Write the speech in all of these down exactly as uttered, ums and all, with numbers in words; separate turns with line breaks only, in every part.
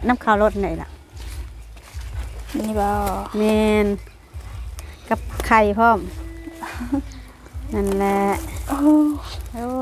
น้ำข้าวรถไหนล่ะ
นี่บ่
แม่นกับไข่พร้อมนั่นแหละโอ้โอ้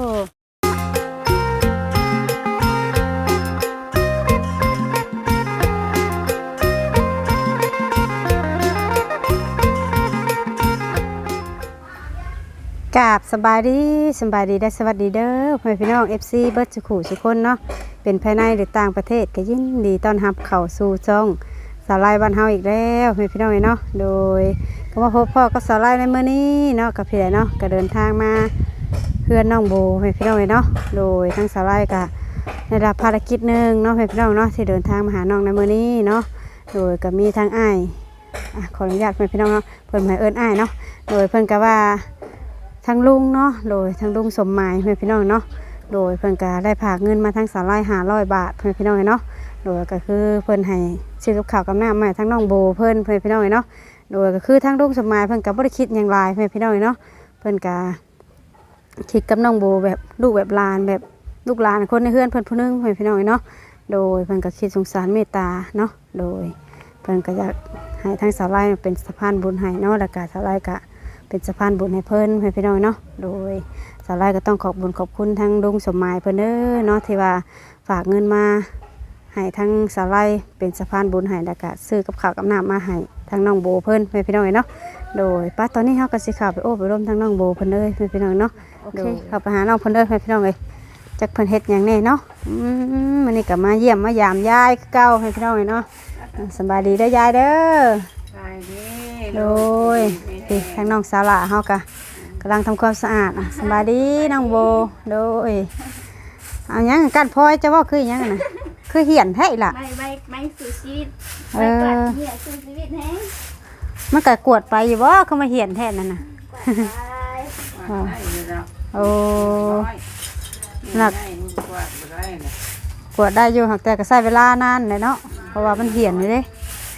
กราบสบายดีสบายดีได้สวัสดีเด้อพ่อพี่น้อง เอฟ ซี เบิร์ดสุขุสุคนเนาะเป็นภายในหรือต่างประเทศก็ยินดีต้อนรับเข้าสู่ช่องสาวไล่บ้านเฮาอีกแล้วพ่อพี่น้องเนาะโดยก็มาพบพ่อกับสาวไล่ในมื้อนี้เนาะกับพี่ใหญ่เนาะก็เดินทางมาเพื่อนน้องโบพ่อพี่น้องเนาะโดยทั้งสาวไล่ก็ได้รับภารกิจหนึ่งเนาะพ่อพี่น้องเนาะที่เดินทางมาหาน้องในมื้อนี้เนาะโดยก็มีทางอ้ายขออนุญาตพ่อพี่น้องเนาะเพิ่นหมายเอิ้นอ้ายเนาะโดยเพิ่นก็ว่าทั้งลุงเนาะโดยทั้งลุงสมหมายเพื่อนพี่น้องเนาะโดยเพื่อนก็ได้ฝากเงินมาทั้งสาวไร่หาร้อยบาทเพื่อนพี่น้องเนาะโดยก็คือเพื่อนให้ซื้อกับข้าวกับน้ำมาทั้งน้องโบเพื่อนเพื่อนพี่น้องเนาะโดยก็คือทั้งลุงสมหมายเพื่อนก็บ่ได้คิดอย่างไรเพื่อนพี่น้องเนาะเพื่อนก็คิดกับน้องโบแบบลูกแบบหลานแบบลูกหลานคนในเพื่อนเพื่อนผู้นึงเพื่อนพี่น้องเนาะโดยเพื่อนก็คิดสงสารเมตตาเนาะโดยเพื่อนก็อยากให้ทั้งสาวไร่เป็นสะพานบุญให้เนาะแล้วก็สาวไร่ก็เป็นสะพานบุญให้เพิ่นให้พี่น้องเนาะโดยสาวไร่ก็ต้องขอบบุญขอบคุณทั้งลุงสมหมายเพิ่นเด้อเนาะที่ว่าฝากเงินมาให้ทั้งสาวไร่เป็นสะพานบุญให้แล้วก็ซื้อกับข้าวกับน้ำมาให้ทั้งน้องโบเพิ่นให้พี่น้องเนาะโดยป้าตอนนี้เฮาก็สิเข้าไปโอ้ไปร่วมทั้งน้องโบเพิ่นเด้อให้พี่น้องเนาะโอเคเข้าไปหาน้องเพิ่นเด้อให้พี่น้องเอ้ยจักเพิ่นเฮ็ดหยังแน่เนาะอืมมื้อนี้ก็มาเยี่ยมมายามยายคือเก่าให้พี่น้องเนาะสบายดีเด้อยายเด้อสบายดีโดยพี่ทางน้องสาวละเฮากะกำลังทำความสะอาดสบายดีน้องโบโดยเอาหยังกันพลอยจะว่าคือหยังน่ะคือเหี่ยนแท้อีหล่ะ
ไม่ไม่ไม่สู่ชีวิตไม่กวาดเหี้ยสู่ชีวิตแฮง
มันก็กวดไปอยู่บ่เขามาเหี่ยนแท้นั่นน่ะ
กวาดไป
โอ้หนักกวดได้อยู่แต่ก็ใช้เวลานานเลยเนาะเพราะว่ามันเหี่ยนอยู่เด้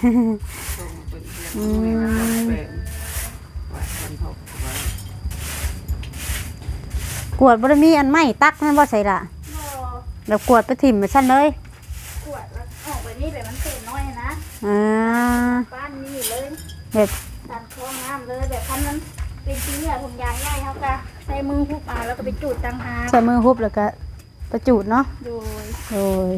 อืมกวดบริมีอันไม่ตักนั่นว่าใส่ละแล้วกวดไปถิ่มไปชั้นเลย
กวดแล้วออกไปนี่แบบมันเศษน้อยนะ
อ่า
บ้านนี่เลย
แบบ
ตัดคลองน้ำเลยแบบพันนั้นเป็นชิ้นเนี่ยถุงยางใหญ่เขาก็ใส่มือหุบมาแล้วก็ไปจูดตังหา
ใส่มือหุบแล้วก็ประจุดเนาะ
โดย
โดย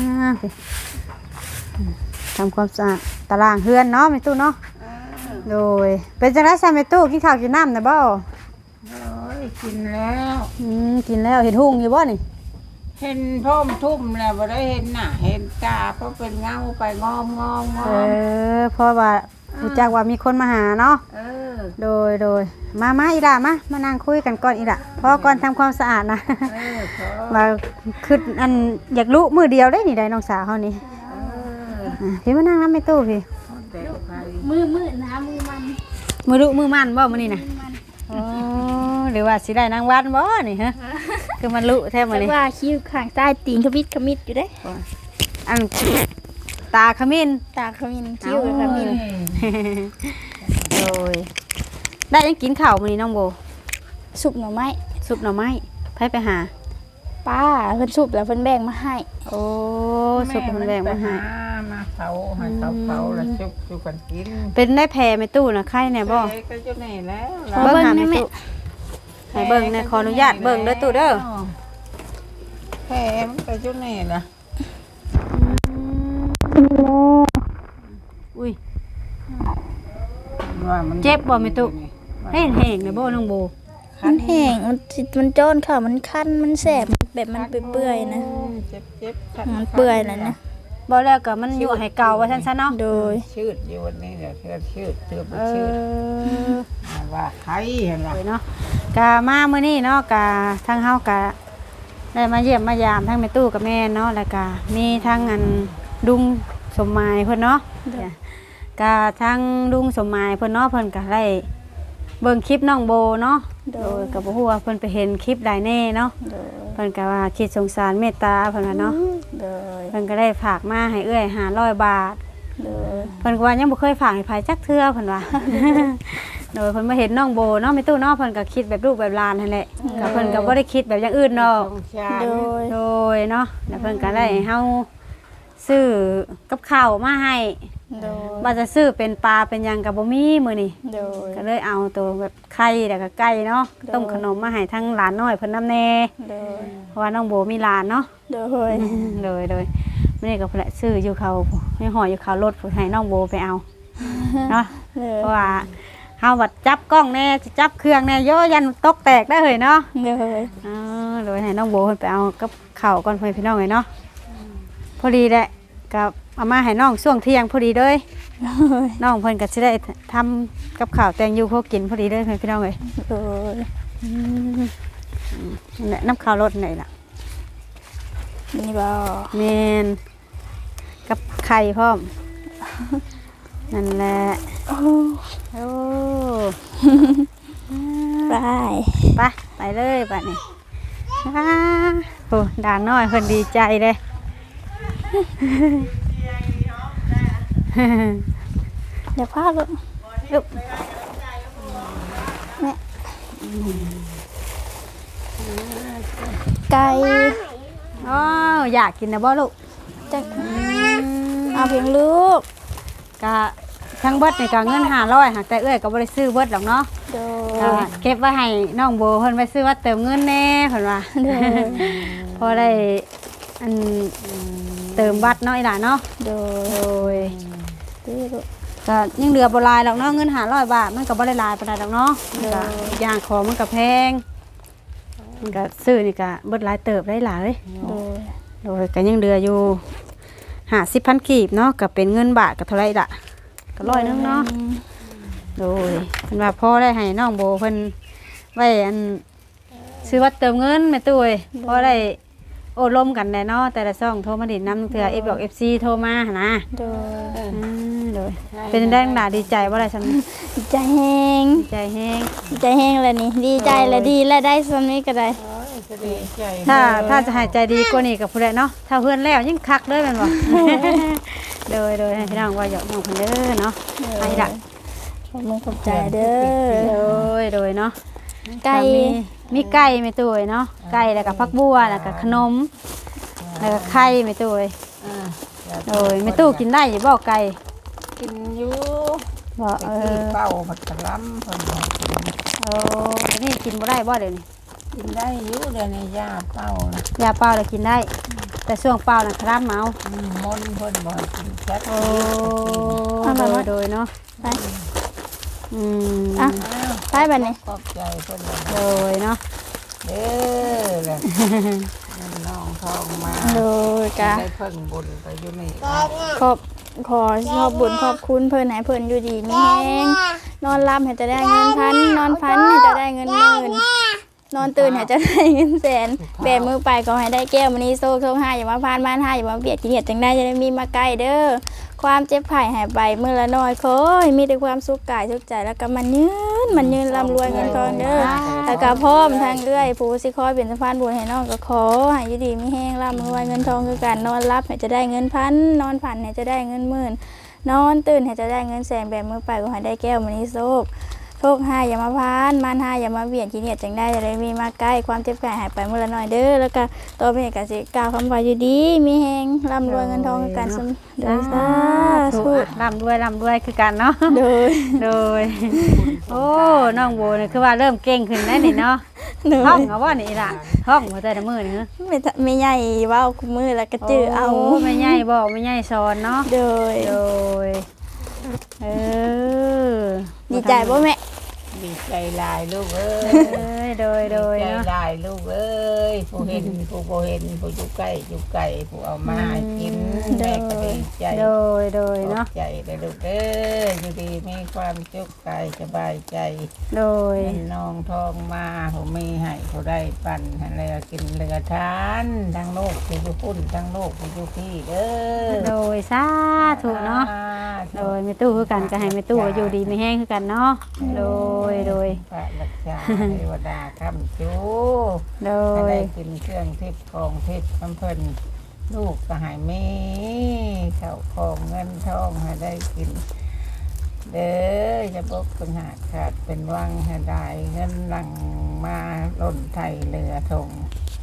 ทำความสะอาดตารางเฮือนเนาะไม่ตู้เนาะโดยเป็นจังไรใส่ไม่ตู้กินข้าวกินน้ำนะบ่
โอ้ยกินแล้ว
อืมกินแล้วเห็นหุ่งอยู่บ่นี่
เห็นพ่อมทุ่มแล้วบ่ได้เห็นหน้าเห็นตาเพราะเป็นเงาไปงอมงอมงอ
เอ
ม
อเพราะว่ารู้จักว่ามีคนมาหาเนาะ
เออ
โดยโดยมามาอีด่ามามานั่งคุยกันก่อนอีด่าพอก่อนทำความสะอาดนะมาคืออันอยากรู้มือเดียวได้นี่ได้น้องสาวเขานี่พี่มานั่งน้ำไม่ตู้พี่
มือมือนะมือมัน
มือรู้มือมันบ่มื้อนี้นะอ๋อหรือว่าสิได้นางวันบ่นี่ฮะคือมันรู้แท้มื้อนี้
ว่าคิ้วข้างใต้ตีนขมิดขมิดอยู่เด้
อันตาขมิ้น
ตาขมิ้นคิ้วขมิ้น
โดยได้ยังกินข้าวมื้อนี้น้องโบ
สุกหน่อไม้
สุกหน่อไม้ไผไปหา
ป้าเพิ่นสุกแล้วเพิ่นแบ่งมาให้
โอ้สุกเพิ่นแบ่งมาให้
มาเผาให้เขาเผาแล้วสุกสุกกันกิน
เป็นได้แผ่แม่ตู้น่ะไข่แน่บ่
ก็จะแน่แล้ว
เบิ่งหาแม่ตู้ให้เบิ่งแน่ขออนุญาตเบิ่งเด้อตู้เด้อ
แผ่มันก็จะแน่ล่ะ
อุ้ยเจ็บบ่แม่ตู้แห้งๆเลยบ่น้องโบ
มันแห้งมันมันจ้อนค่ะมันคันมันแสบแบบมันเปื่อยๆนะ
เจ็บ
ๆมันเปื่อยแล้วนะ
บ่แล้วก็มันอยู่ให้เก่าว่าซั่นๆเนาะ
โดย
ชืดอยู่วันนี้เดี๋ยวเทื่อชืดเทื่อบ่ชืดว่าไข่เห็นบ่
เนาะกะมามื้อนี้เนาะกะทางเฮากะได้มาเยี่ยมมายามทั้งแม่ตู้กับแม่เนาะแล้วก็มีทั้งอันลุงสมหมายเพิ่นเนาะกะทั้งลุงสมหมายเพิ่นเนาะเพิ่นก็ได้เบิ่งคลิปน้องโบเนาะโดยก็บ่ฮู้ว่าเพิ่นไปเห็นคลิปใดแน่เนาะเพิ่นก็ว่าคิดสงสารเมตตาเพิ่นว่าเนาะโดยเพิ่นก็ได้ฝากมาให้เอื้อยห้าร้อยบาทโดยเพิ่นก็ว่ายังบ่เคยฝากให้ไผจักเทื่อเพิ่นว่าโดยเพิ่นมาเห็นน้องโบเนาะแม่ตู้เนาะเพิ่นก็คิดแบบลูกแบบหลานนั่นแหละก็เพิ่นก็บ่ได้คิดแบบอย่างอื่นเนาะโดยโดยเนาะแล้วเพิ่นก็ได้ให้เฮาซื้อกับข้าวมาให้
โดย
ว่าจะซื้อเป็นปลาเป็นหยังกับบ่มีมื้อนี้
โดย
ก็เลยเอาตัวแบบไข่แล้วก็ไก่เนาะ
โดย
ต้มขนมมาให้ทั้งหลานน้อยเพิ่นนำแน่
โดย
เพราะว่าน้องโบมีหลานเนาะ
โดย
เลยเลยมื้อนี้ก็เพิ่นละซื้ออยู่เขาให้ห่ออยู่เขารถเพิ่นให้น้องโบไปเอาเนาะ
โดย
เพราะว่าเฮาบัดจับกล้องแน่สิจับเครื่องแน่โยยันตกแตกได้เลยเนาะ
โดย
อ๋อเลยให้น้องโบเพิ่นไปเอากับข้าวก่อนเพิ่นพี่น้องเลยเนาะพอดีแหละกับเอามาให้น้องช่วงเที่ยงพอดีเลย
โดย
น้องเพิ่นก็สิได้ทำกับข้าวแตงอยู่พวกกินพอดีเลยเพิ่นพี่น้องเลย
โดย
อืมนั่นแหละน้ำข้าวรสไหนล่ะ
นี่บ่
แม่นกับไข่พร้อมนั่นแหละ
โอ้
โอ้
ไป
ไปไปเลยบัดนี้อ้าโอ้ด่านน้อยเพิ่นดีใจเลย
เดี๋ยวพาลูก
ลูก
ไก่
อ๋ออยากกินนะบ่ลูก
จักเอาเพียงลูก
กะทั้งเบิดนี่ก็เงินห้าร้อยหากแต่เอ้ยก็บ่ได้ซื้อเบิดหรอกเนาะ
โด
ก็
ย
เก็บไว้ให้น้องโบเพิ่นไปซื้อว่าเติมเงินแน่เพิ่นว่า
โดย
พอได้อันเติมบัตรเนาะอีหล่ะเนาะ
โดย
โดย
ดีลูก
ก็ยังเหลือบ่หลายหรอกเนาะเงินห้าร้อยบาทมันก็บ่ได้หลายปานใดดอกเนาะ
เด้อ
ก็อย่างของมันก็แพงมันก็ซื้อนี่ก็เบิดหลายเติบได้หลาย
โดย
โดยก็ยังเหลืออยู่ห้าสิบพันกีบเนาะก็เป็นเงินบาทก็เท่าไหร่ล่ะก็ร้อยหนึงเนาะโดยเพิ่นว่าพ่อได้ให้น้องโบเพิ่นไว้อันซื้อวัดเติมเงินแม่ตุ้ยพอได้โอ้ลมกันแน่เนาะแต่ละซ่องโทรมาดินนำเทื่อ F บอก เอฟ ซี โทรมาหั่นนะ
โดย
อืมโดยเป็นได้หนาดีใจว่าอะไรฉัน
ดีใจแฮง
ดีใจแห้ง
ดีใจแฮงเลยนี่ดีใจและดีและได้สำนี้ก็ได้
โอ้ยจะดีใจ
ถ้าถ้าจะหายใจดีกว่านี้กับผู้ใดเนาะถ้าเพื่อนแล้วยิ่งคักเลยแมันบ่ โดยโดยให้พี่น้องว่าหยอกน้องเพิ่นเด้อเนาะไปดัก
ขอบคุณขอบใจเด้อ
โดยโดยเนาะ
ไก่
มีมีไก่แม่ตุ้ยเนาะไก่แล้วก็ผักบัวแล้วก็ขนมแล้วก็ไข่แม่ตุ้ย
อ่า
โดยแม่ตู้กินได้อยู่บ่ไก่
กินอยู่
บ่
ไป
เอ
คือ
อ
เป้าผัดกะล้ำเพิ่นบอกกิน
โอ้นี่กินบ่ได้บ่เดี๋ยวนี้
กินได้อยู่เดี๋ยวในยาเป้านะ
ยาเปล่าแล้วกินได้ แต่ช่วงเปล่าน่ะครับเมา
อืมมนต์เพิ่นบอกกินแค่
โอ้โดยโดยเนาะ
ไป
อืม
อ่ะ
อ้าว
ไปบัดนี้
ขอบใจเพิ่นเลย
โดยเนาะ
เด้อแหละน้องทองมา
โดยกะ
ได้เพิ่งบุญไปอยู่นี่
ขอบขอขอบบุญขอบคุณเพิ่นให้เพิ่นอยู่ดีมีแฮงนอนหลับให้จะได้เงินพันนอนพันให้จะได้เงินหมื่นนอนตื่นให้จะได้เงินแสนแบมือไปก็ให้ได้แก้วมณีโซ่โซ่ห้าอย่ามาพานบ้านห้าอย่ามาเบียดกินเหยียดจังได้จะได้มีมาใกล้เด้อความเจ็บไข้หายไปมือละน้อยขอให้มีแต่ความสุขกายสุขใจแล้วก็มันยืนมันยืนร่ำรวยเงินทองเด้อแล้วก็พร้อมทางเรื่อยผู้สิคอยเป็นสะพานบุญให้น้องก็ขอให้อยู่ดีมีแห้งร่ำรวยเงินทองคือการนอนรับให้จะได้เงินพันนอนฝันให้จะได้เงินหมื่นนอนตื่นให้จะได้เงินแสนแบบมือไปก็ให้ได้แก้วมณีโชคโชคห้าอย่ามาพานมานห้าอย่ามาเบียดกินเหยียดจังได้จะได้มีมาใกล้ความเจ็บไข้หายไปมือละน้อยเด้อแล้วก็ต่อไปก็สิกล่าวคำว่าอยู่ดีมีแห้งร่ำรวยเงินทองคือการสมเด้อสาธุ
ร่ำรวยร่ำรวยคือกันเนาะ
โดย
โดยโอ้น้องโบนี่คือว่าเริ่มเก่งขึ้นแล้วนี่เนาะ
โด
ห้อย งเอาว่านี่ล่ะห้องหัวใจละมือนี่เหรอ
ไม่ทะไม่ใหญ่เว้าคุมือแล้วก็จื้อเอา
โไม่ใหญ่บอกไม่ใหญ่สอนเนาะ
โดย
โดยเออ
ดีใจบ่แม่
ดีใจหลายลูกเอ้ย
เอ้ยโดยโดย
ใจ
เนาะ
หลายลูกเอ้ยผู้เห็นผู้บ่เห็นผู้อยู่ใกล้อยู่ไกลผู้เอามาให้กินแม่ก็ดีใจ
โดยโดย
ขอ
เนาะ
บใจได้ลูกเอ้ยอยู่ดีมีความสุขกายสบายใจ
โดย
เงินน้องทองมาผู้มีให้ผู้ได้ปั่นให้แล้วกินเหลือทานทั้งโลกผู้อยู่พุ่นทั้งโลกผู้อยู่พี่เด้อ
โดยสาธุเนาะโดยไม่ตู้คือกันก็ให้ไม่ตู้อยู่ดีไม่แห้งคือกันเนาะโดยโดย
พระรักษาเทวดาคำจู
โด
ให้
ย
ได้กินเครื่องทิพย์ของทิพย์น้ำเพิ่นลูกก็ให้มีเข้าวของเงินทองให้ได้กิน เด้อจะบกเป็นหาดขาดเป็นวังให้ได้เงินหลังมาหล่นไทยเรือทง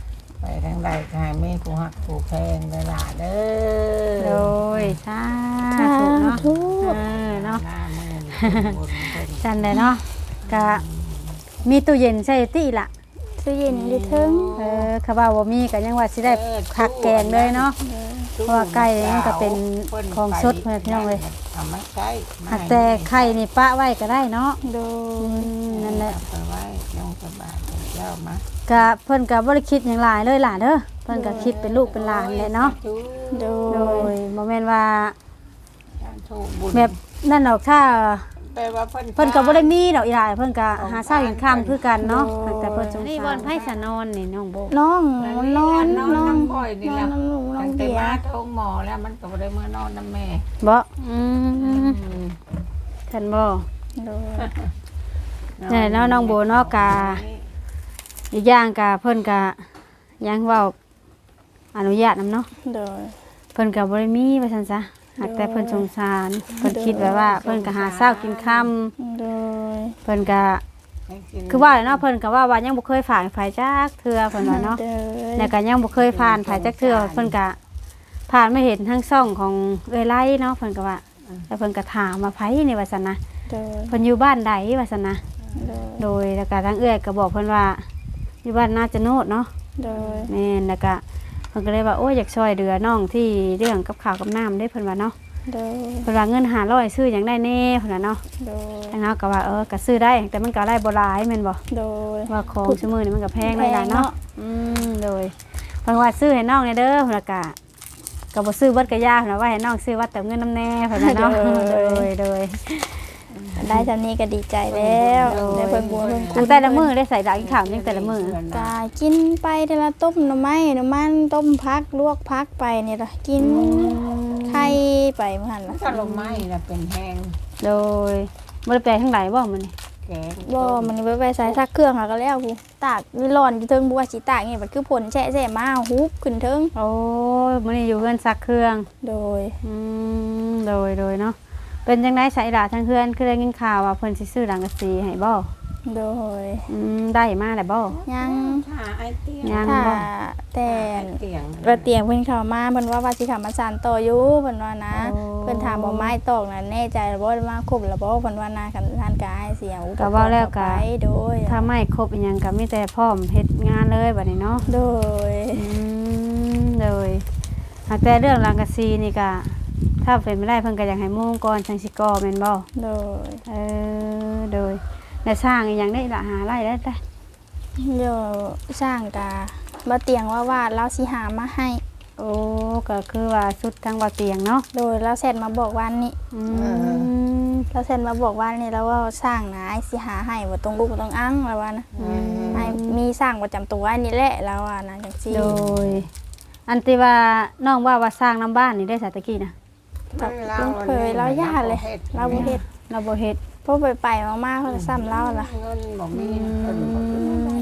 ไปทางใดก็ให้มีผู้หักผู้แพงเด้อล่ะเด้
โด
อย
สา
สา
ธุเนาะ
ธุ
เออเนาะ
หน้ามือบุญเพิ่น
จันเลยเนาะก็มีตู้เย็นใส่ติล่ะ
ตู้เย็นอยู่เทึง
เออเขาว่าบ่มีก็ยังว่าสิได้คักแกงเลยเนาะ เพราะว่าไก่นี่มันก็เป็นของสดเพิ่นพี่น้องเอ้ย
เอามาใช้
หากแต่ไข่นี่ปะไว้ก็ได้เนาะ
โด
อื
ย
มนั่นแหละ
เอาไปไว้ยงสบายเจ้ามา
ก็เพิ่นก็บ่ได้คิดหยังหลายเลยล่ะเด้อเพิ่นก็คิดเป็นลูกเป็นหลานแหละเนาะ
โด
โด
ย
ยบ่แม่นว่า
ถูกบุญ
แบบนั่นดอกถ้า
แปลว่าเพิ่น
เพิ่นก็บ่ได้มีดอกอีหลายเพิ่นก็หาเช้ากินค่ำคือกันเนาะแต่เพิ่นสงสารนี่บ่อนไผสะนอนนี่น้องโบ
น้องมันนอน
น
น
อ
อน น
น้ำบ่อยนี่
นอ
แหละ
นน้ำหนูน้อ
ตั้
ง
งแต่
เบีย
มา
ร์
ท้องหมอแล้วมันก็บ่ได้เมื่อนอนน้ำแม่
บ่อืมท่านบ่
โดย
นี่เนาะน้องโบเนาะกะอีกอย่างกะเพิ่นก็ยังเว้าอนุญาตนำเนาะ
โดย
เพิ่นก็บ่ได้มีว่าซั่นซะหากแต่เพิ่นสงสารเพิ่นคิดไว้ว่าเพิ่นก็หาเช้ากินค่ำ
โดย
เพิ่นก็คือว่าเนาะเพิ่นก็ว่าว่ายังบ่เคยผ่านไผจักเทื่อเพิ่นว่าเนาะ
โดย
แล้วก็ยังบ่เคยผ่านไผจักเทื่อเพิ่นก็ผ่านมาเห็นทั้งช่องของเอ้ยไล่เนาะเพิ่นก็ว่าแล้วเพิ่นก็ถามว่าไผนี่ว่าซั่นนะ
โดย
เพิ่นอยู่บ้านใดว่าซั่นนะ
โดย
โดยแล้วก็ทางเอื้อยก็บอกเพิ่นว่าอยู่บ้านนาจะโนดเนาะ
โดย
แม่นแล้วก็เพิ่นก็เลยว่าโอ้ยอยากช่วยเหลือน้องที่เรื่องกับข้าวกับน้ำได้เพิ่นว่าเนาะ
โดย
เพิ่นว่าเงินห้าร้อยซื้อหยังได้แน่เพิ่นว่าเนาะ
โดย
ทางเฮาก็ว่าเออก็ซื้อได้แต่มันก็ได้บ่หลายแม่นบ่
โดย
ว่าของชั่วมือนี่มันก็แพงเลยล่ะ
แพงเนาะ
เนาะอืมโดยเพิ่นว่าซื้อให้น้องเนี่ยเด้อเพิ่นก็ก็บ่ซื้อเบิดกะยาเพิ่นว่าให้น้องซื้อวัดเติมเงินน้ำแน่เพิ่นว่าเนาะโดยโดย
ได้จำนี้ก็ดีใจแล้วได้เพิ่นบัวเพิ่น
อันแต่ละมื้อได้ใส่ดาวกินข้าวยังแต่ละมื้อ
กากินไปแต่ละต้มหน่อไม้หน่อมันต้มพักลวกพักไปเนี่ยล่ะกินไข่ไปเมื่อหันล่ะ
ถ้าลงไม้น่ะเป็นแห้ง
โดยบ่ได้แปลทั้งหลายบ่มื้อนี้
แกง
บ่มันไปไปใส่ซักเครื่องหาก็แล้วกูตากนี่ร้อนอยู่เทิงบัวสิตากนี่มันคือผลแฉะๆมาฮุบขึ้นเทิง
โอ้ยมื้อนี้อยู่เฮือนซักเครื่อง
โดย
อืมโดยโดยเนาะเป็นจังได๋ใส่ดาทั้งเฮือนคือได้ยินข่าวว่าเพิ่นสิซื้อหลังกะสีให้บ่
โดย
อืมได้มาแล้วบ่
ยัง
ถ้าไอ้เตียง
ยัง
ถ้า
บ่
แต่
เตียง
กระเตียงเพิ่นเข้ามาเพิ่นว่าว่าสิเข้ามาสานต่ออยู่เพิ่นว่านะ
โอ้
เพิ่นถามบ่ไม้ตอกน่ะแน่ใจบ่มาครบแล้วบ่เพิ่นว่านะกันทานกายเสียงอุป
ก็
ก
เว้าร
ณ์
แล้วก็
ไปโดย
ถ้าไม่ครบอีหยังก็มีแต่พร้อมเฮ็ดงานเลยบัดนี้เนาะ
โดย
อืมเลยหากแต่เรื่องรังกะซีนี่ก็ถ้าเป็นไม่ได้เพิ่นก็อยากให้มุ่งก่อนจังสิก่อแม่นบ่
โดย
เออโดยแล้วสร้างอีหยังได้ละหาไรได้ได้
เดี๋ยวสร้างกาบ่เตียงว่าว่าเราสิหามาให้
โอ้ก็คือว่าสุดทางบ่เตียงเนาะ
โดยเราเสร็จมาบอกวันนี้
อืม
เราเสร็จมาบอกวันนี้แล้วว่าสร้างนะไอ้สิหาให้บ่ตรงลูกบ่ตรงอังแล้วว่านะไอ้มีสร้างประจำตัวอันนี้แหละแล้วว่านะจังซี่
โดย อันที่ว่าน้องว่าว่าสร้างน้ำบ้านนี่ได้สาตะกี้นะ
กับลุงเคยเราย่าเลยเราบ่เฮ็ด
เราบ่เฮ็ด
พวกไปไปๆมาๆเพิ่นซ้ำเราล่ะ
เงินบ่มีเพิ่นบ่มี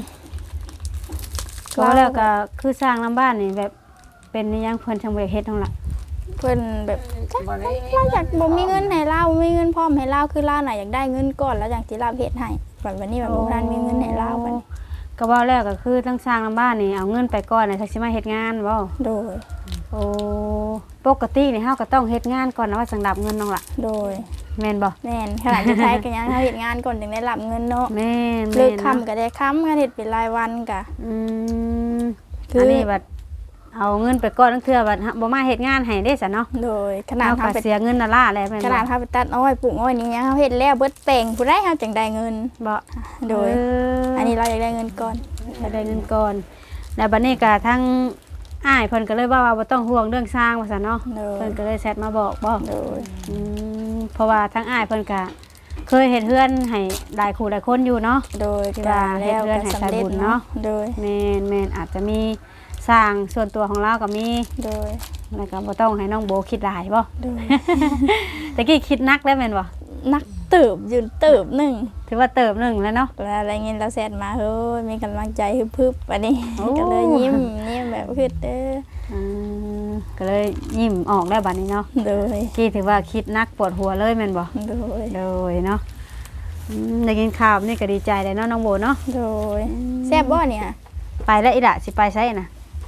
ก็แล้วก็คือสร้างน้ำบ้านนี่แบบเป็นอิหยังเพิ่นทางบ่ได้เฮ็ดนั่นล่ะ
เพิ่นแบบ
บ่ได้
เราอยากบ่มีเงินให้เราบ่มีเงินพร้อมให้เราคือเราน่ะอยากได้เงินก่อนแล้วจังสิเราเฮ็ดให้แบบวันนี้แบบบ่ทันมีเงินให้เราบัดนี้
ก็เว้าแล้วก็คือทั้งสร้างน้ำบ้านนี่เอาเงินไปก่อนน่ะสักสิมาเฮ็ดงานบ่
โดย
โอ้ปกตินี่เฮาก็ต้องเฮ็ดงานก่อนนะว่าสังดับเงินน้องล่ะ
โดย
แม่นบ่
แม่นขนาดที่ใช้ก็ยังเฮาเฮ็ดงานก่อนถึงได้รับเงินเนาะ
แม่น
เลิ
แม่
ก
น
ค่ำ
เนาะ
ก็ได้ค่ำกันเฮ็ดเป็นรายวันก็
อืม
คืออั
อันนี้บัดเอาเงินไปก่อนทั้งเทื่อบัดบ่มาเฮ็ดงานให้เด้ซะเนาะ
โดยขนาด
เฮา
เฮา
ก็
ไป
เสียเงินน่ะล่าแล้วแม่น
ข
บ่
นาดเฮาไปตัดอ้อยปลูกอ้อยนี่ยังเฮาเฮ็ดแล้วเบิดแปลงผู้ใดเฮาจังได้เงิน
บ่
โดย
เ
อันนี้เราอยากได้เงินก่อน
จะได้เงินก่อน แล้วบัดนี้ก็ทั้งอ้ายเพิ่นก็เลยว่าว่าบ่ต้องห่วงเรื่องสร้างว่าซั่นเนาะ
โดย
เพิ่นก็เลยแชทมาบอกบ่
โดย
อืมเพราะว่าทั้งอ้ายเพิ่นก็เคยเฮ็ดเฮือนให้หลายคู่หลายคนอยู่เนาะ
โดย
ที่
ก็
ว่า
แล้ว
เฮ็ดเรือน
ก็
ให้
สำ
สาย
เร็จ
บุญเนาะ
เนาะโดย
แม่นแม่นอาจจะมีสร้างส่วนตัวของเราก็มี
โดย
แล้วก็บ่ต้องให้น้องโบคิดหลายบ่
โดย
ตะกี้คิดนักแล้วแม่นบ่
นักเติบยืนเติบหนึง
ถือว่าเติบหนึงแล้วเนาะ
แล้วอะไรเงี้ยเราแซดมาเฮ้ยมีกำลังใจฮึบๆอันนี้
โอ้
ก็เลยยิ้มยิ้มแบบคือเด้อ
อืมก็เลยยิ้มออกแล้วบัดนี้เนาะ
โดย
กี้ถือว่าคิดนักปวดหัวเลยแม่นบ่
โดย
โดยเนาะอืมได้กินข้าวนี่ก็ดีใจเลยเนาะน้องโบเนาะ
โดยแซ่บบ่เนี่ย
ไปแล้วอีหละสิไปไสน่ะ
ไ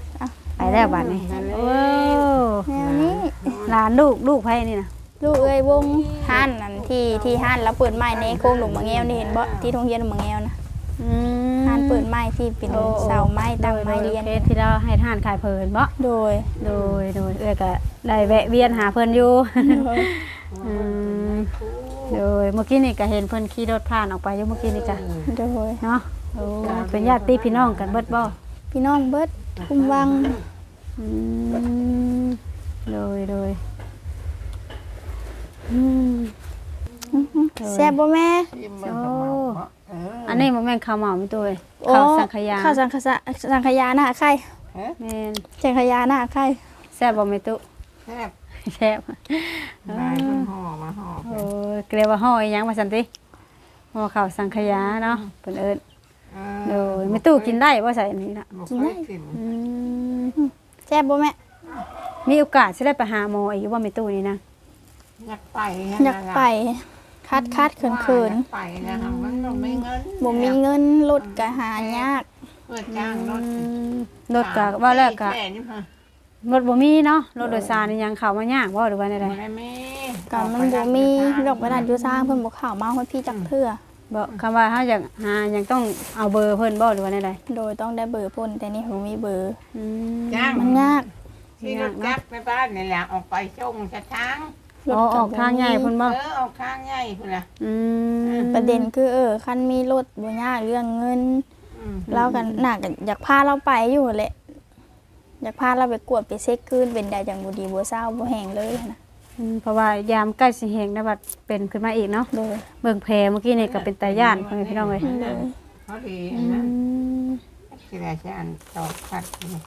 ไปแล้วบัดนี้โอ้
แนวนี้
หลานลูกลูกไผนี่นะ
ลูกเอ้ยวงห้านนั่นที่ที่ห้านแล้วเปิดไม้ในโค้งหลุมมะแงวนี่เห็นบ่ที่โรงเรียนหลุมมะแงวนะ
อืม
ห้านเปิดไม้ที่เป็นเสาไม้ตั้งไม้เรียน
โดโดที่เราให้ทานขายเพิ่นบ่
โดย
โดยโดยเอ้ยก็ได้แวะเวียนหาเพิ่นอยู่ อืมโดยเมื่อกี้นี่ก็เห็นเพิ่นขี่รถผ่านออกไปอยู่เมื่อกี้นี่จ้ะ
โดย
เนาะโอ้เป็นญาติพี่น้องกันเบิดบ่
พี่น้องเบิดคุมวัง
อืมโดยโดยอืม
แซ่บบ่แม่
ชิมเบิ่งกับหมาเนาะเออ
อันนี้บ่แม่นข้าวเหมามีตัวเอ้ย
โอ้
ข้าวสังขยา
ข้าวสังขยาสังขยาหน้าไข่
ฮะ
แม่น
สังขยาหน้าไข่
แซ่บบ่แม่ตุ
แซ่บ
แซ่บ
นายเพิ่นห่อมาห่อ
โอ้ยเกลียวว่าห่ออีหยังว่าซั่นติห่อข้าวสังขยาเนาะเพิ่นเอิ้น
เอ
โด
อย
แม่ตู้กินได้บ่ใส่อันนี้น่ะ
บ่เคยกิน
อืม
แซ่บบ่แม่
มีโอกาสสิได้ไปหาหมออีกอยู่บ่แม่ตู้นี่นะ
อยากไป
อยากไปคัดคัดเขินเขิน
อยากไปนะคะมันต้องมีเงิน
ๆบ่มีเงินรถก็หายาก
เพื่อจ้างรถ
อืมรถก็ว่าแล้วก็
แค่นี้ค่ะ
รถบ่มีเนาะรถโดยสารนี่ยังเข้ามายากบ่หรือว่าใด
ไม่มี
ก็มันบ่มีดอกกระดาษอยู่สร้างเพิ่นบ่เข้ามาฮอดพี่จักเทื่อ
ๆบ่คำว่าเฮาอยากหายังต้องเอาเบอร์เพิ่นบ่หรือว่าใด
โดยต้องได้เบอร์เพิ่นแต่นี่บ่มีเบอร์
ๆอืม
จ้าง
มันยาก
ที่รถจักรไปบ้านนี่แหละออกไปส่งชะช้าง
อ๋อออกทางใหญ่เพิ่นบ่
เออออกข้างใหญ่พุ่นล่ะ
อืม
ประเด็นคือเออคันมีรถบ่ยากเรื่องเงิน
อืม
เรากันน่าก็อยากพาเราไปอยู่แหละอยากพาเราไปกวดไปเช็คคืนเป็นได้จังบ่ดีบ่เศร้าบ่แห้งเลยนะ
อืมเพราะว่ายามใกล้สิแฮงนะบัดเป็นขึ้นมาอีกเนาะ
โดย
เบิ่งแผลเมื่อกี้นี่ก็เป็นตาย่านพ่อแม่พี่น้องเอ้ย
โดย
เขาดี
อื
นะ
ม
ที่ได้ฉันตอกขัดนี่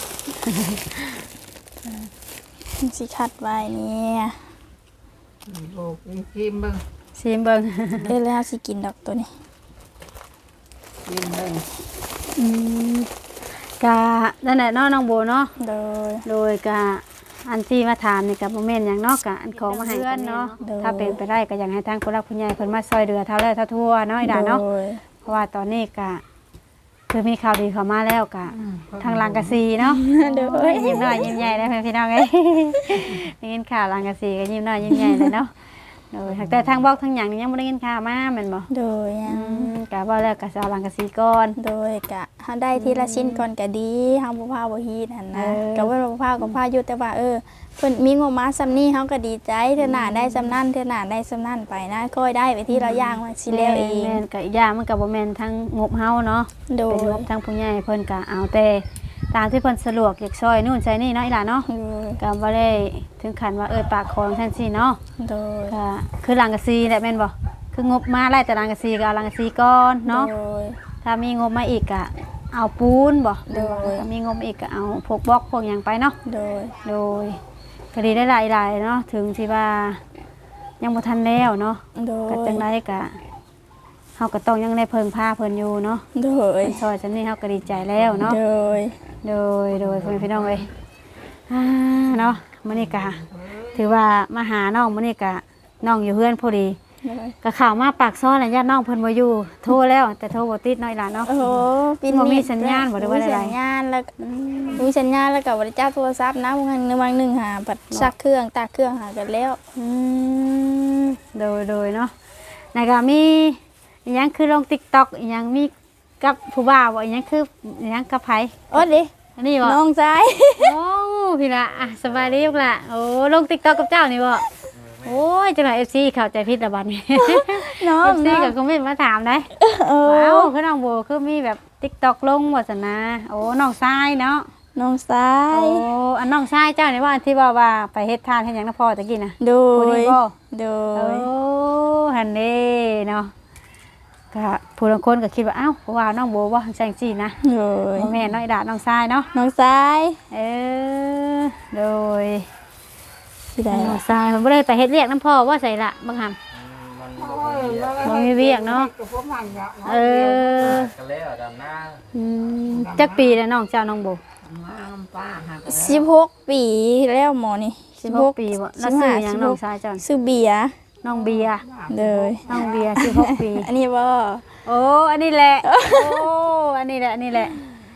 สิคัดไว้เนี่ย
โบกชิมเบิ่ง
ซิมเบิ่ง
เอ้ยแล้วสิกินดอกตัวนี้
ชิมเบิ่ง
อืมกะนั่นแหละเนาะน้องโบเนาะ
โดย
โดยกะอันที่มาถามนี่กับโมเมนต์อย่างเนอกกะอันของมาให้เพื่อนเนาะถ้าเป็นไปได้ก็อยากให้ทางผู้รักผู้ใหญ่เพิ่นมาซอยเดือเท่าแล้วเท่าทั่วเนาะไอ้ด่าเนาะ
โดย
เพราะว่าตอนนี้กะคือมีข่าวดีเข้ามาแล้วกะทางลังกะซีเนาะ
โดย
ยิ้มน้อยยิ้มใหญ่ได้เพื่อนพี่น้องเอ้ย ได้ยินข่าวลังกะซีก็ยิ้มน้อยยิ้มใหญ่เลยเนาะโดยแต่ทางบอกทางหยังนี่ยังบ่ได้ยินข่าวมาแม่นบ่
โดยยั
อื
ง
มกะว่าแล้วกะสิเอาลังกะซีก่อน
โดยกะเฮาได้ทีละชิ้นก่อนก็ดีเฮาบ่พาบ่ฮีดหั่นนะ
เออ
ก็ว่าบ่พาก็พาอยู่แต่ว่าเออเพิ่นมีงบมาซำนี้เฮาก็ดีใจเทื่อหน้าได้ซำนั้นเทื่อหน้าได้ซำนั้นไปนะค่อยได้ไปที่ละอย่างว่าสิแล้วเอง
แม่นกะอีกอย่างมันก็บ่แม่นทั้งงบเฮาเนาะ
โดย
เป็นงบทางผู้ใหญ่เพิ่นก็เอาแต่ตามที่เพิ่นสะดวกอยากซอยนู่นใช้นี่เนาะอีหล่ะเนาะ
โดย
ก็บ่ได้ถึงขั้นว่าเอ้ยปากคอจังซี่เนาะ
โดย
ก็คือหลังกะซีแหละแม่นบ่คืองบมาไล่แต่หลังกะซีก็เอาหลังกะซีก่อนเนาะ
โดย
ถ้ามีงบมาอีกก็เอาปูนบ่
โดย
ถ้ามีงบอีกก็เอาพวกบล็อกพวกหยังไปเนาะ
โดย
โดยก็ดีได้หลายๆเนาะถึงที่ว่ายังบ่ทันแล้วเนาะ
โด
ก็
ย
จังไดก็เฮาก็ต้องยังได้เพิ่งพาเพิ่นอยู่เนาะ
โดย
เพิ่นซอยจังนี้เฮาก็ดีใจแล้วเนาะ
โดย
โดยโดยพ่อแม่พี่น้องเอ้ยอ่าเนาะมื้อนี้ก็ถือว่ามาหาน้องมื้อนี้ก็น้องอยู่เฮือนพอดี
โดย
ก็เข้ามาปากซอยแล้วญาติน้องเพิ่นบ่อยู่โทรแล้วแต่โทรบ่ติดน้อยหลานเนาะ
โอ้โหปี
บ่มี
นี้
สัญญาณบ่ได้ว่า
มี
อะไร
สัญญาณแล้วก็มีสัญญาณแล้วก็บ่ได้จับโทรศัพท์นะบางครั้งในวันหนึงหาปัดซักเครื่องตากเครื่องหากันแล้ว
อืมโดยโดยเนาะแล้วก็มีอีหยังคือลง TikTok อีหยังมีกับผู้บ่าวบ่อีหยังคืออีหยังกับไผ
โอ้ดิ
อันนี้บ่
น้องชาย
โอ้พี่ละอ่ะสบายดีลูกละโอ้ลง TikTok กับเจ้านี่บ่โอ้ยจังได๋ เอฟ ซี เข้าใจผิดละบัดนี้
น้อง
เอฟซี
น้อง
ก็คอมเมนต์มาถามได้
เออ
ว้าวคือน้องโบคือมีแบบ TikTok ลงว่าซั่นนะโอ้น้องชายเนาะ
น้องชา
โอ้
ย
อันน้องชายเจ้านี่ว่าอันที่ว่าว่าไปเฮ็ดทานเฮ็ดหยังนำพ่อตะกี้น่ะ
โด
ผู้
ย
นี้บ่
โด
โอ้
ย
หั่นเด้เนาะก็ผู้บางคนก็คิดว่าอ้าวว่าน้องโบว่าจังซี่นะ
โดย
บ่แม่นน้อยดาน้องชายเนาะ
น้องชาย
เออโดย
สิได้
น้องชายมันบ่ได้ไปเฮ็ดเวียกนำพ่อว่าใส่ละบางหำ บ่มีเวียกเนาะ เออ
กันแล้วดำหน้า
อืมจักปีแล้วน้องเจ้าน้องโบ
ป้าหา
สิบหกปีแล้วหมอนี่
สิบหกปีบ่แล้วซื้อหยังน้องชายเจ้า
ซื้อเบียร์
น้องเบียร์
เลย
น้องเบียร์สิบหกปี
อันนี้บ่
โอ้อันนี้แหละโอ้อันนี้แหละอันนี้แหละ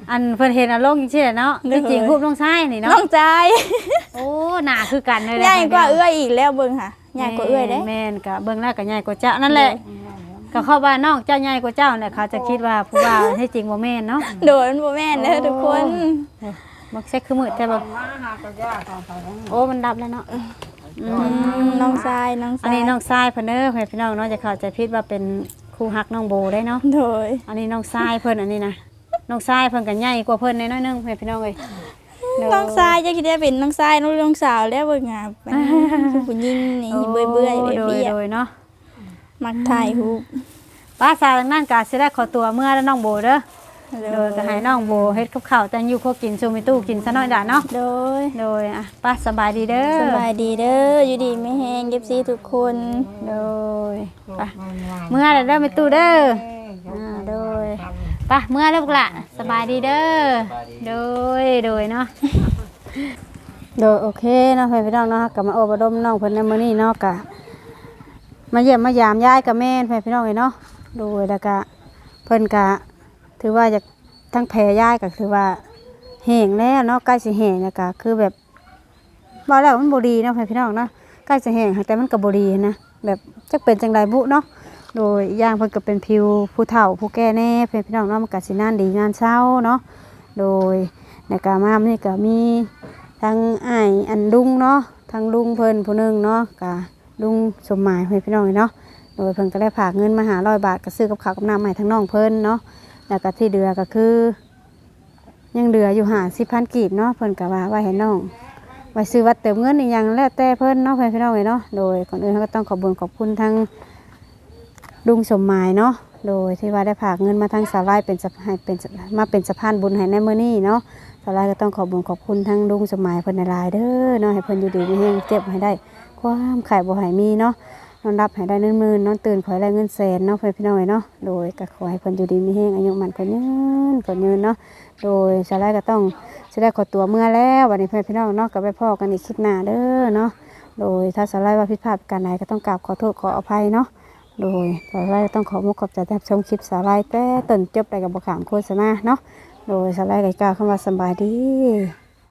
อันเพิ่นเห็นอารมณ์จริงๆเนาะ
เด้อ
ที่จริงรูปน้องชายนี่
น้อ
เนาะ
งใจ
โอ้หน้าคือกันเลย
ใหญ่กว่าเอื้อยอีกแล้วเบิ่งค่ะใหญ่กว่าเอื้อยเด้
แม่นก็เบิ่งแล้วก็ใหญ่กว่าเจ้านั่นแหละก็เข้าบ้านน้องเจ้าใหญ่กว่าเจ้าเนี่ยเขาจะคิดว่าผู้บ่าวที่จริงบ่แม่นเนาะ
โดยมันบ่แม่นเด้อทุกคน
มักเซ็กคือมืดแต่บ่
มาหากระยาของเขา
โอ้มันดับแล้วเนาะ
อืมน้องทรายน้องท
อั
ราน ย
นี้น้องทรายเพิ่นเด้อให้พี่น้องเนาะจะเข้าใจผิดว่าเป็นครูฮักน้องโบได้เนาะ
โดย
อันนี้น้องทรายเพิ่นอันนี้นะน้องทรายเพิ่นก็ใหญ่กว่าเพิ่นน้อยๆนึงให้พี่น้องเอ้ยเด้
น้องทรายจะคิดได้เป็นน้องทรายน้องน้องสาวแล้วเบิ่งอ่ะเป็นคือผู้หญิงนี่เบื่อเบื่อๆ
โ
เบี้ย
โดยๆเนาะ
ๆมักถ่ายรูป
ป้าสาวทางนั้นก็สิได้ขอตัวเมื่อแล้วน้องโบเด้อโดยก็ให้น้องโบเฮ็ดกับข้าวแต่งอยู่ครัวกินซูมิตู้กินซะหน่อยด่าเนาะ
โดย
โดยอ่ะป้าสบายดีเด้อ
สบายดีเด้ออยู่ดีไม่แห้งเก็บซีทุกคน
โดยไป้าเมื่อแล้วเด้อไปตู้เด้ออ่าโดยไป้าเมื่อแล้วพวกละสบายดีเด้อโดยโดยเนาะ โดยโอเคเนาะเพื่อนพี่น้องเนาะกลับมาโอบรมน้องเพิ่นในมื้อนี้เนาะกะมาเยี่ยมมายามยายกับแม่เพื่อนพี่น้องเลยเนาะโดยแล้วก็เพิ่นกะถือว่าจะทั้งแผลยายก็คือว่าแห้งแล้วเนาะใกล้สิแห้งแล้วก็คือแบบบ่แล้วมันบ่ดีเนาะเพื่อนพี่น้องเนาะใกล้สิแห้งแต่มันก็บ่ดีนะแบบจักเป็นจังไดบุเนาะโดยอีกอย่างเพิ่นก็เป็นผิวผู้เฒ่าผู้แก่แน่เพื่อนพี่น้องเนาะมันก็สินานดีนานเช้าเนาะโดยแล้วก็มานี่ก็มีทางอ้ายอันลุงเนาะทางลุงเพิ่นผู้หนึงเนาะก็ลุงสมหมายเพื่อนพี่น้องเนาะโดยเพิ่นก็ได้ฝากเงินมาหาร้อยบาทก็ซื้อกับข้าวกับน้ำให้ทั้งน้องเพิ่นเนาะแล้วก็ที่เดือก็คือยังเหลืออยู่หาสิบพันกีบเนาะเพิ่นก็ว่าไว้ให้น้องไว้ซื้อวัดเติมเงินอีกอย่างแล้วแต่เพิ่นเนาะเพื่อนพี่น้องเนาะโดยก่อนอื่นเราก็ต้องขอบคุญขอบคุณทั้งลุงสมหมายเนาะโดยที่ว่าได้ฝากเงินมาทางสาวไร่เป็นสะให้เป็นมาเป็นสะพานบุญให้ในมื้อนี้เนาะสาวไร่ก็ต้องขอบคุญขอบคุณทั้งลุงสมหมายเพิ่นหลายๆเด้อเนาะให้เพิ่นอยู่ดีมีแรงเจ็บให้ได้ความไข่บ่ให้มีเนาะนอนรับให้ได้เงินหมื่นนอนตื่นขอให้ได้เงินแสนเนาะเพื่อนพี่น้องเนาะโดยก็ขอให้เพิ่นอยู่ดีมีแรงอายุมันก็ยืนก็ยืนเนาะโดยสาวไร่ก็ต้องสิได้ขอตัวเมื่อแล้ววันนี้เพื่อนพี่น้องเนาะก็ไปพ้อกันอีกคลิปหน้าเด้อเนาะโดยถ้าสาวไร่ว่าผิดพลาดประการใดก็ต้องกราบขอโทษขออภัยเนาะโดยสาวไร่ต้องขอมุกขอบใจที่รับชมคลิปสาวไร่แต่ต้นจบได้กับบขามโฆษณาเนาะโดยสาวไร่ก็กล่าวคำว่าสำบายดี